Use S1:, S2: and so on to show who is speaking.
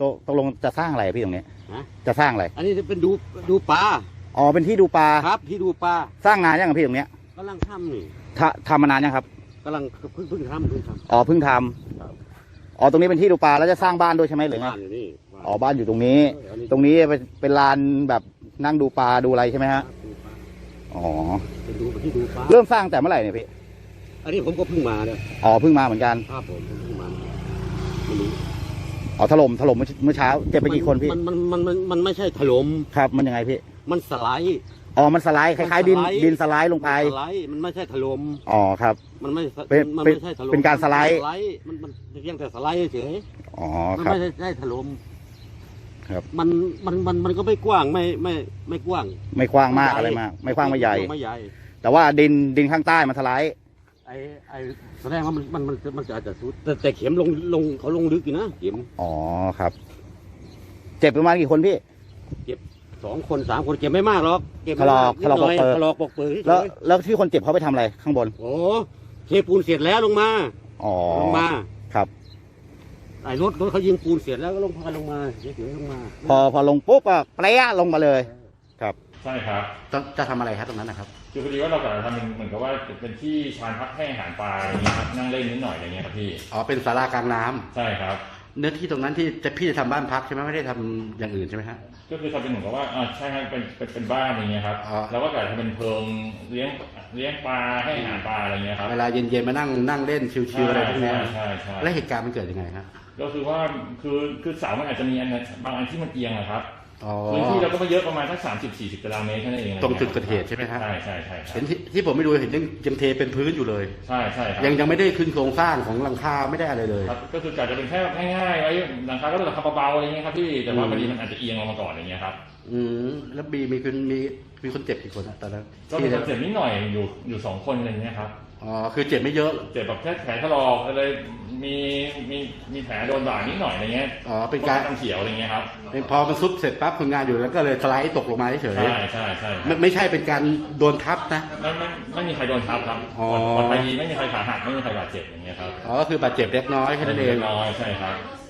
S1: ตกลงจะสร้างอะไรพี่ตรงนี้
S2: ฮะ
S1: จะสร้างอะไร
S2: อันนี้จะเป็นดูปลา
S1: อ๋อเป็นที่ดูปลา
S2: ครับที่ดูปลา
S1: สร้างนานยังครับพี่ตรงเนี้ย
S2: กำลังทำนี่
S1: ทำมานานยังครับ
S2: กำลังเพิ่งทำ
S1: อ๋อเพิ่งท
S2: ครับ
S1: ำอ๋อตรงนี้เป็นที่ดูปลาแล้วจะสร้างบ้านด้วยใช่ไหมหรือไง
S2: บ้านอยู่นี่
S1: อ๋อบ้านอยู่ตรงนี้ ตรงนี้เป็นลานแบบนั่งดูปลาดูอะไรใช่ไหมฮะอ๋อ
S2: เป็นที่ดูปลา
S1: เริ่มสร้างแต่เมื่อไหร่เนี่ยพี่
S2: อันนี้ผมก็เพิ่งมาเนี่ย
S1: อ๋อเพิ่งมาเหมือนกัน
S2: ครับผมเพิ่งมาไม่รู้
S1: อ๋อถล่มเมื่อเช้าเจ็บไปกี่คนพี่
S2: มันไม่ใช่ถล่ม
S1: ครับมันยังไงพี่
S2: มันสไลด์
S1: อ๋อมันสไลด์คล้ายๆดินสไลด์ลงไป
S2: สไลด์มันไม่ใช่ถล่ม
S1: อ๋อครับ
S2: มันไม่
S1: เป็น
S2: ไม่ใช่ถล่ม
S1: เป็นการสไลด์
S2: มันเพียงแต่สไลด์เฉย
S1: อ๋อ
S2: มัน
S1: ครับ
S2: ไม่ใช่ถล่ม
S1: ครับ
S2: มันก็ไม่กว้างไม่กว้าง
S1: ไม่กว้างมากอะไรมาก ไม่กว้างไม่ใหญ่
S2: ไม่ใหญ่
S1: แต่ว่าดินข้างใต้มันสไลด์
S2: ไอ้แสดงว่ามันจะอาจจะสุดแต่เข็มเขาลงลึกอยู่นะเข็ม
S1: อ๋อครับ เจ็บประมาณกี่คนพี่
S2: 2 คน 3 คนเก็บไม่มากหรอกเก็บ
S1: ถลอก
S2: นิดหน่อย
S1: ถลอกปอกเปลือก
S2: ถลอกปอกเปลือกเฉย
S1: แล้วที่คนเจ็บเขาไปทำอะไรข้างบน
S2: โอ้เทปูนเสร็จแล้วลงมา
S1: อ๋อ
S2: ลงมา
S1: ครับ
S2: ไอ้รถเขายิงปูนเสร็จแล้วก็ลงพาลงมาเฉยๆลงมา
S1: พอลงปุ๊บก็เปรี้ยลงมาเลย ครับ
S3: ใช่ครับ
S1: จะทำอะไรครับตรงนั้นนะครับ
S3: คือพอดีว่าเรากำลังทำเหมือนกับว่าเป็นที่ชานพักให้อาหารปลาอะไรเงี้ยครับนั่งเล่นนิดหน่อยอะไรเงี้ยครับพี่
S4: อ๋อเป็นศาลากลางน้ำ
S3: ใช่ครับ
S4: เนื้อที่ตรงนั้นที่พี่จะทำบ้านพักใช่ไหมไม่ได้ทำอย่างอื่นใช่ไหมฮะ
S3: ก็คือทำเป็นเหมือนกับว่าใช่ครับเป็นบ้านอะไรเงี้ยครับ
S4: อ๋อ
S3: แล้วก็กะทำเป็นเพิงเลี้ยงปลาให้อาหารปลาอะไรเงี้ยครับ
S4: เวลาเย็นๆมานั่งเล่นชิวๆอะไรพวกเนี้ย
S3: ใช่ใช่
S4: แล้วเหตุการณ์มันเกิดยังไงฮะ
S3: ก็คือว่าคือเสามันอาจจะมีบางอันที่มันเอียงอะครับ
S4: อ๋อ
S3: พื้นที่เราก็ไม่เยอะประมาณสัก30-40 ตารางเมตรแค่นั้นเอง
S4: ตรงจุดเกิดเหตุใช่ไหมฮะ
S3: ใช่ใช่ใช่
S4: เห็นที่ผมไม่ดูเห็นยังเทเป็นพื้นอยู่เลย
S3: ใช่ใช่ครับ
S4: ยังไม่ได้ขึ้นโครงสร้างของหลังคาไม่ได้อะไรเลย
S3: ครับก็คือกะจะเป็นแค่ง่ายๆไว้หลังคาก็เป็นหลังคาเบาๆอะไรเงี้ยครับพี่แต่ว่าพอดีมันอาจจะเอียงลงมาก่อนอย่างเงี้ยครับ
S4: แล้วบีมีคนเจ็บกี่คนอะตอนนั้น
S3: ก็มีคนเจ็บนิดหน่อยอยู่2 คนอะไรเงี้ยครับ
S4: อ๋อคือเจ็บไม่เยอะ
S3: เจ็บแบบแค่แผลถลอกอะไรมีแผลโดนบาดนิดหน่อยอะไรเงี้ย
S4: อ๋อเป็นการ
S3: น้ำเขียวอะไรเงี้ยครับ
S4: พอมันซุดเสร็จปั๊บคนงานอยู่แล้วก็เลยสไลด์ตกลงมาเฉย
S3: ใช่ใช่ใช่
S4: ไม่ใช่เป็นการโดนทับนะ
S3: ไม่มีใครโดนทับครับ
S4: อ๋อ
S3: ปลอดภัยดีไม่มีใครขาหักไม่มีใครบาดเจ็บอย่างเงี้ยครับ
S4: อ๋อก็คือบาดเจ็บเล็กน้อยแค่นั้นเอง
S3: น้อยใช่ครับ